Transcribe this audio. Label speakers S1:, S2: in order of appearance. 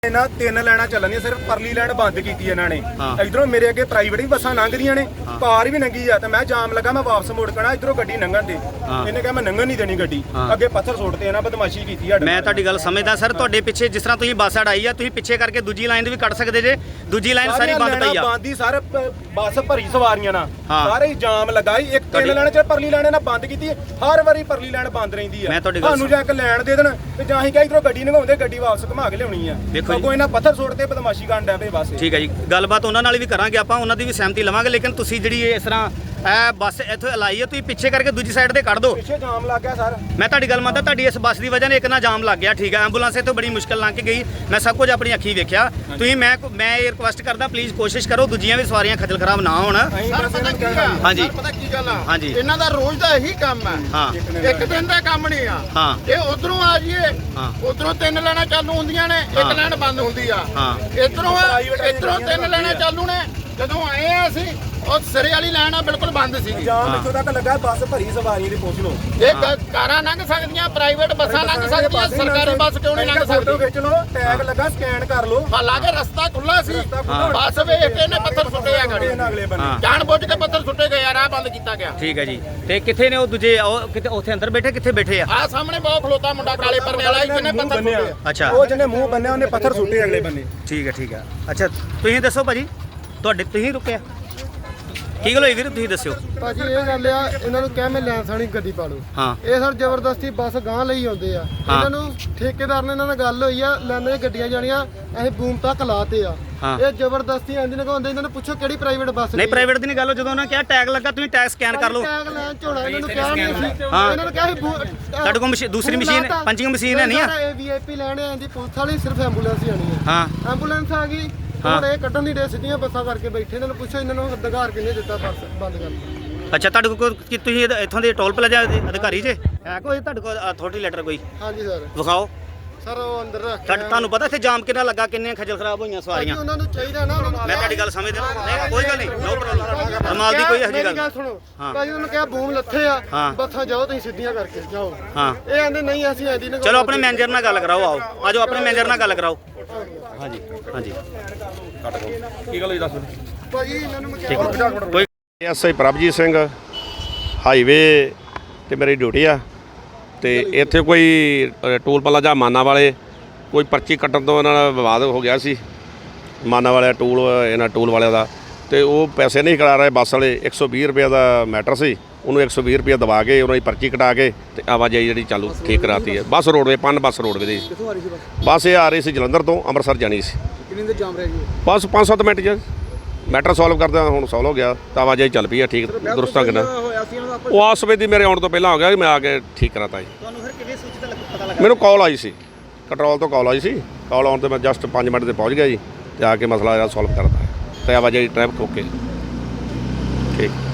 S1: ਇਹਨਾਂ ਤਿੰਨ ਲੈਣਾ ਚੱਲਣੀਆਂ, ਸਿਰਫ ਪਰਲੀ ਲੈਣ ਬੰਦ ਕੀਤੀ ਇਹਨਾਂ ਨੇ। ਇਧਰੋਂ ਮੇਰੇ ਅੱਗੇ ਪ੍ਰਾਈਵੇਟ ਵੀ ਬੱਸਾਂ ਲੰਘਦੀਆਂ ਨੇ, ਕਾਰ ਵੀ ਲੰਘੀ ਆ ਤੇ ਮੈਂ ਜਾਮ ਲੱਗਾ, ਮੈਂ ਵਾਪਸ ਮੁੜ ਕਣਾ ਇਧਰੋਂ ਗੱਡੀ ਲੰਘਣ ਦੇ। ਇਹਨੇ ਕਿਹਾ ਮੈਂ ਲੰਘਣ ਨਹੀਂ ਦੇਣੀ ਗੱਡੀ, ਅੱਗੇ ਪੱਥਰ ਸੁੱਟਦੇ ਇਹਨਾਂ, ਬਦਮਾਸ਼ੀ ਕੀਤੀ ਸਾਡੇ।
S2: ਮੈਂ ਤੁਹਾਡੀ ਗੱਲ ਸਮਝਦਾ ਸਰ, ਤੁਹਾਡੇ ਪਿੱਛੇ ਜਿਸ ਤਰ੍ਹਾਂ ਤੁਸੀਂ ਬੱਸ ਅੜਾਈ ਆ, ਤੁਸੀਂ ਪਿੱਛੇ ਕਰਕੇ ਦੂਜੀ ਲਾਈਨ ਵੀ ਕੱਢ ਸਕਦੇ ਜੇ। ਦੂਜੀ ਲਾਈਨ ਸਾਰੀ ਬੰਦ ਪਈ ਆ,
S1: ਬੰਦ ਹੀ ਸਾਰੇ ਬੱਸ ਭਰੀ ਸਵਾਰੀਆਂ ਨਾਲ, ਸਾਰੇ ਹੀ ਜਾਮ ਲਗਾਈ। ਇੱਕ ਤਿੰਨ ਲੈਣ ਚ ਪਰਲੀ ਲੈਣ ਇਹਨਾਂ ਬੰਦ ਕੀਤੀ, ਹਰ ਵਾਰੀ ਪਰਲੀ ਲੈਣ ਬੰਦ ਰਹਿੰਦੀ ਆ। ਤੁਹਾਨੂੰ ਜਾਂ ਇੱਕ ਲੈਣ ਦੇ ਦੇਣ ਤੇ ਜਾਂ ਹੀ ਕਹਾਂ ਇਧਰੋਂ ਗੱਡੀ ਲੰਘਾਉਂਦੇ, ਗੱਡੀ ਵਾਪਸ ਘੁਮਾ ਕੇ ਲਿਆਉਣੀ ਆ। ਅੱਗੋਂ ਇਹਨਾਂ ਪੱਥਰ ਸੁੱਟ ਤੇ ਬਦਮਾਸ਼ੀ ਕਰਨ ਡਿਆ ਪਏ ਬਸ।
S2: ਠੀਕ ਹੈ ਜੀ, ਗੱਲਬਾਤ ਉਹਨਾਂ ਨਾਲ ਵੀ ਕਰਾਂਗੇ ਆਪਾਂ, ਉਹਨਾਂ ਦੀ ਵੀ ਸਹਿਮਤੀ ਲਵਾਂਗੇ। ਲੇਕਿਨ ਤੁਸੀਂ ਜਿਹੜੀ ਇਸ ਤਰ੍ਹਾਂ ਇਹ ਬੱਸ ਇੱਥੇ ਲਾਈ ਹੈ, ਤੁਸੀਂ ਪਿੱਛੇ ਕਰਕੇ ਦੂਜੀ ਸਾਈਡ ਤੇ ਕੱਢ ਦਿਓ।
S1: ਪਿੱਛੇ ਜਾਮ ਲੱਗ ਗਿਆ ਸਰ।
S2: ਮੈਂ ਤੁਹਾਡੀ ਗੱਲ ਮੰਨਦਾ, ਤੁਹਾਡੀ ਇਸ ਬੱਸ ਦੀ ਵਜ੍ਹਾ ਨਾਲ ਇੱਕ ਨਾ ਜਾਮ ਲੱਗ ਗਿਆ। ਠੀਕ ਹੈ, ਐਂਬੂਲੈਂਸ ਇੱਥੋਂ ਬੜੀ ਮੁਸ਼ਕਲ ਲੰਘ ਕੇ ਗਈ, ਮੈਂ ਸਭ ਕੁਝ ਆਪਣੀ ਅੱਖੀਂ ਵੇਖਿਆ। ਤੁਸੀਂ ਮੈਂ ਇਹ ਰਿਕੁਐਸਟ ਕਰਦਾ, ਪਲੀਜ਼ ਕੋਸ਼ਿਸ਼ ਕਰੋ ਦੂਜੀਆਂ ਵੀ ਸਵਾਰੀਆਂ ਖੱਜਲ ਖਰਾਬ ਨਾ ਹੋਣ।
S3: ਹਾਂਜੀ ਪਤਾ ਕੀ ਗੱਲ ਆ,
S2: ਹਾਂਜੀ
S3: ਇਹਨਾਂ ਦਾ ਰੋਜ਼ ਦਾ ਇਹੀ ਕੰਮ ਹੈ।
S2: ਹਾਂ,
S3: ਇੱਕ ਦਿਨ ਦਾ ਕੰਮ ਨਹੀਂ ਆ।
S2: ਹਾਂ,
S3: ਇਹ ਉਧਰੋਂ ਆ ਜੀਏ, ਉਧਰੋਂ ਤਿੰਨ ਲੈਣਾ ਚਾਲੂ ਹੁੰਦੀਆਂ ਨੇ, ਇੱਕ ਲੈਣ ਬੰਦ ਹੁੰਦੀ ਆ। ਇਧਰੋਂ ਤਿੰਨ ਲੈਣਾ ਚਾਲੂ ਨੇ। ਜਦੋਂ ਆਏ ਆ ਅਸੀਂ, ਉਹ ਸਿਰੇ ਵਾਲੀ ਲਾਈਨ ਆ ਬਿਲਕੁਲ ਬੰਦ ਸੀਗੀ।
S1: ਜਾਮ ਇੱਥੋਂ ਤੱਕ ਲੱਗਾ, ਬੱਸ ਭਰੀ ਸਵਾਰੀ ਦੀ ਪੁੱਛ ਲਓ।
S3: ਇਹ ਕਾਰਾਂ ਲੰਘ ਸਕਦੀਆਂ, ਪ੍ਰਾਈਵੇਟ ਬੱਸਾਂ ਲੰਘ ਸਕਦੀਆਂ, ਸਰਕਾਰੀ ਬੱਸ ਕਿਉਂ ਨਹੀਂ ਲੰਘ ਸਕਦੀ?
S1: ਫੋਟੋ ਖਿੱਚ ਲਓ, ਟੈਗ ਲੱਗਾ, ਸਕੈਨ ਕਰ ਲਓ।
S3: ਹਾਲਾਂਕਿ ਰਸਤਾ ਖੁੱਲਾ ਸੀ, ਬੱਸ ਵੇਖ ਕੇ ਇਹਨੇ ਪੱਥਰ ਸੁੱਟੇ ਆ ਗਾੜੀ,
S1: ਅਗਲੇ ਬੰਨੇ
S3: ਜਾਣ ਬੁੱਝ ਕੇ ਪੱਥਰ ਸੁੱਟੇ ਗਏ ਆ, ਰਾਹ ਬੰਦ ਕੀਤਾ ਗਿਆ।
S2: ਠੀਕ ਹੈ ਜੀ। ਤੇ ਕਿੱਥੇ ਨੇ ਉਹ ਦੂਜੇ, ਉਹ ਕਿਤੇ ਉੱਥੇ ਅੰਦਰ ਬੈਠੇ, ਕਿੱਥੇ ਬੈਠੇ ਆ?
S3: ਆ ਸਾਹਮਣੇ ਬਹੁਤ ਖਲੋਤਾ ਮੁੰਡਾ ਕਾਲੇ ਪਰਨੇ ਵਾਲਾ, ਜਿਹਨੇ ਪੱਥਰ ਸੁੱਟੇ।
S2: ਅੱਛਾ,
S1: ਉਹ ਜਿਹਨੇ ਮੂੰਹ ਬੰਨਿਆ ਉਹਨੇ ਪੱਥਰ ਸੁੱਟੇ ਅਗਲੇ ਬੰਨੇ।
S2: ਠੀਕ ਹੈ, ਠੀਕ ਹੈ। ਅੱਛਾ, ਤੁਸੀਂ ਦੱਸੋ ਭਾਜੀ, ਤੁਸੀਂ ਰੁਕਿਆ ਕੀ ਗੱਲ ਹੋਈ ਵੀਰ, ਤੁਸੀਂ ਦੱਸਿਓ
S4: ਭਾਜੀ। ਇਹ ਗੱਲ ਆ, ਇਹਨਾਂ ਨੂੰ ਕਹਿ ਮੈਂ ਲੈਂਸ ਵਾਲੀ ਗੱਡੀ ਪਾ ਲਓ।
S2: ਹਾਂ,
S4: ਇਹ ਸਰ ਜ਼ਬਰਦਸਤੀ ਬੱਸ ਗਾਂ ਲਈ ਆਉਂਦੇ ਆ। ਇਹਨਾਂ ਨੂੰ ਠੇਕੇਦਾਰ ਨੇ ਇਹਨਾਂ ਨਾਲ ਗੱਲ ਹੋਈ ਆ, ਲੈਣੇ ਗੱਡੀਆਂ ਜਾਣੀਆਂ ਅਸੀਂ ਬੂਮ ਤੱਕ ਲਾਤੇ ਆ। ਇਹ ਜ਼ਬਰਦਸਤੀ ਆਂਦੀ ਨਗਾਉਂਦੇ। ਇਹਨਾਂ ਨੂੰ ਪੁੱਛੋ ਕਿਹੜੀ ਪ੍ਰਾਈਵੇਟ ਬੱਸ?
S2: ਨਹੀਂ ਪ੍ਰਾਈਵੇਟ ਦੀ ਨਹੀਂ ਗੱਲ, ਜਦੋਂ ਉਹਨਾਂ ਕਿਹਾ ਟੈਗ ਲੱਗਾ, ਤੁਸੀਂ ਟੈਗ ਸਕੈਨ ਕਰ ਲਓ।
S4: ਟੈਗ ਲੈਣ ਝੋਣਾ ਇਹਨਾਂ ਨੂੰ ਕਿਹਾ ਨਹੀਂ ਸੀ। ਇਹਨਾਂ ਨੂੰ ਕਿਹਾ ਸੀ
S2: ਤੁਹਾਡੇ ਕੋਲ ਦੂਸਰੀ ਮਸ਼ੀਨ, ਪੰਚਿੰਗ ਮਸ਼ੀਨ ਹੈ ਨਹੀਂ ਆ?
S4: ਇਹ ਵੀਆਈਪੀ ਲੈਣੇ ਆਂਦੀ ਪੁਲਿਸ ਵਾਲੀ, ਸਿਰਫ ਐਂਬੂਲੈਂਸ ਹੀ ਆਣੀ ਆ।
S2: ਹਾਂ,
S4: ਐਂਬੂਲੈਂਸ ਆ ਗਈ, ਹੁਣ ਇਹ ਕੱਢਣ ਦੀ ਡੇ ਸਿੱਧੀਆਂ ਬੱਸਾਂ ਕਰਕੇ ਬੈਠੇ। ਇਹਨਾਂ ਨੂੰ ਪੁੱਛੋ ਇਹਨਾਂ ਨੂੰ ਅਧਿਕਾਰ ਕਿਹਨੇ ਦਿੱਤਾ ਬੱਸ ਬੰਦ ਕਰਨ ਦਾ?
S2: ਅੱਛਾ, ਤੁਹਾਡੇ ਕੋਲ ਕੀ ਤੁਸੀਂ ਇੱਥੋਂ ਦੇ ਟੋਲ ਪਲਾਜ਼ਾ ਦੇ ਅਧਿਕਾਰੀ ਜੇ ਹੈ ਕੋਈ ਤੁਹਾਡੇ ਕੋਲ ਅਥਾਰਟੀ ਲੈਟਰ ਕੋਈ?
S4: ਹਾਂਜੀ ਸਰ।
S2: ਵਿਖਾਓ
S4: ਸਰ ਉਹ ਅੰਦਰ ਰੱਖ।
S2: ਤੁਹਾਨੂੰ ਪਤਾ ਇੱਥੇ ਜਾਮ ਕਿੰਨਾ ਲੱਗਾ, ਕਿੰਨੀਆਂ ਖੱਜਲ ਖਰਾਬ ਹੋਈਆਂ ਸਵਾਰੀਆਂ।
S4: ਉਹਨਾਂ ਨੂੰ ਚਾਹੀਦਾ ਨਾ,
S2: ਮੈਂ ਤੁਹਾਡੀ ਗੱਲ ਸਮਝਦਾ, ਨਹੀਂ ਕੋਈ ਗੱਲ ਨਹੀਂ, ਨੋ ਪ੍ਰੋਬਲਮ, ਰਮਾਲ ਦੀ ਕੋਈ ਇਹੋ ਜਿਹੀ ਗੱਲ।
S4: ਸੁਣੋ ਭਾਜੀ, ਉਹਨੂੰ ਕਿਹਾ ਬੂਮ ਲੱਥੇ ਆ, ਬੱਸਾਂ ਜਾਓ ਤੁਸੀਂ ਸਿੱਧੀਆਂ ਕਰਕੇ ਜਾਓ।
S2: ਹਾਂ,
S4: ਇਹ ਆਂਦੇ ਨਹੀਂ ਅਸੀਂ ਆਂਦੀ ਨਾ।
S2: ਚਲੋ ਆਪਣੇ ਮੈਨੇਜਰ ਨਾਲ ਗੱਲ ਕਰਾਓ, ਆਓ ਆਜੋ ਆਪਣੇ ਮੈਨੇਜਰ ਨਾਲ ਗੱਲ ਕਰਾਓ। ਹਾਂਜੀ ਹਾਂਜੀ,
S1: ਕੀ ਗੱਲ ਹੋਈ ਦੱਸ
S4: ਭਾਜੀ। ਇਹਨਾਂ ਨੂੰ
S2: ਕੋਈ
S5: ਐਸਆਈ ਪ੍ਰਭਜੀਤ ਸਿੰਘ, ਹਾਈਵੇ ਤੇ ਮੇਰੀ ਡਿਊਟੀ ਆ। ਤੇ ਇੱਥੇ ਕੋਈ ਟੋਲ ਪਲਾਜ਼ਾ ਮਾਨਾ ਵਾਲੇ ਕੋਈ ਪਰਚੀ ਕੱਟਣ ਤੋਂ ਇਹਨਾਂ ਨਾਲ ਵਿਵਾਦ ਹੋ ਗਿਆ ਸੀ। ਮਾਨਾ ਵਾਲੇ ਟੋਲ, ਇਹਨਾਂ ਟੋਲ ਵਾਲਿਆਂ ਦਾ, ਤੇ ਉਹ ਪੈਸੇ ਨਹੀਂ ਕਰਾ ਰਹੇ ਬੱਸ ਵਾਲੇ। 120 ਰੁਪਏ ਦਾ ਮੈਟਰ ਸੀ, ਉਹਨੂੰ 120 ਰੁਪਏ ਦਵਾ ਕੇ ਉਹਨਾਂ ਦੀ ਪਰਚੀ ਕਟਾ ਕੇ ਤੇ ਆਵਾਜਾਈ ਜਿਹੜੀ ਚਾਲੂ ਠੀਕ ਕਰਾਤੀ ਹੈ। ਬੱਸ ਰੋਡਵੇ, ਬੱਸ ਰੋਡਵੇ ਦੀ ਬੱਸ ਇਹ ਆ ਰਹੀ ਸੀ ਜਲੰਧਰ ਤੋਂ ਅੰਮ੍ਰਿਤਸਰ ਜਾਣੀ ਸੀ।
S4: ਕਿੰਨੀ ਦੇਰ ਜਾਮ ਰਹਿ ਗਈ?
S5: ਬਸ 5-7 ਮਿੰਟ 'ਚ ਮੈਟਰ ਸੋਲਵ ਕਰਦਾ, ਹੁਣ ਸੋਲਵ ਹੋ ਗਿਆ ਤਾਂ ਆਵਾਜਾਈ ਚੱਲ ਪਈ ਆ ਠੀਕ ਦੁਰਸਤ ਢੰਗ ਨਾਲ। ਉਹ ਆਸ ਵੇਦੀ ਮੇਰੇ ਆਉਣ ਤੋਂ ਪਹਿਲਾਂ ਹੋ ਗਿਆ, ਮੈਂ ਆ ਕੇ ਠੀਕ ਕਰਾਤਾ ਜੀ।
S2: ਤੁਹਾਨੂੰ ਫਿਰ ਕਿਵੇਂ ਸੂਚਿਤ ਪਤਾ ਲੱਗਾ?
S5: ਮੈਨੂੰ ਕਾਲ ਆਈ ਸੀ, ਕੰਟਰੋਲ ਤੋਂ ਕਾਲ ਆਈ ਸੀ। ਕਾਲ ਆਉਣ ਤੇ ਮੈਂ ਜਸਟ 5 ਮਿੰਟ ਤੇ ਪਹੁੰਚ ਗਿਆ ਜੀ, ਤੇ ਆ ਕੇ ਮਸਲਾ ਜਿਹੜਾ ਸੋਲਵ ਕਰਤਾ ਤੇ ਆਵਾਜਾਈ ਟ੍ਰੈਫਿਕ ਓਕੇ ਠੀਕ।